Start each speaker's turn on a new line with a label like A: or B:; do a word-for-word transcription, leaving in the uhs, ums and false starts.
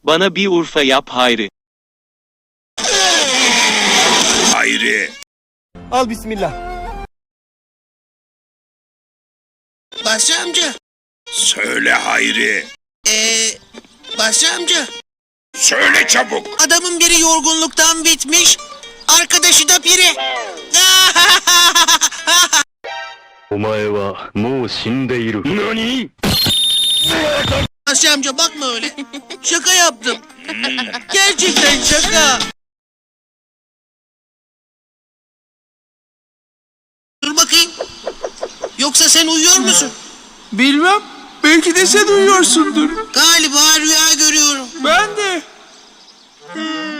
A: Bana bir Urfa yap Hayri.
B: Hayri.
C: Al bismillah.
D: Basri amca.
B: Söyle Hayri.
D: Ee, Basri amca.
B: Söyle çabuk.
D: Adamın biri yorgunluktan bitmiş. Arkadaşı da biri.
E: お前はもう死んでいる。何？
D: Basri amca bakma öyle. Şaka yaptım. Gerçekten şaka. Dur bakayım. Yoksa sen uyuyor musun?
F: Bilmem. Belki de sen uyuyorsundur.
D: Galiba rüya görüyorum.
F: Ben de.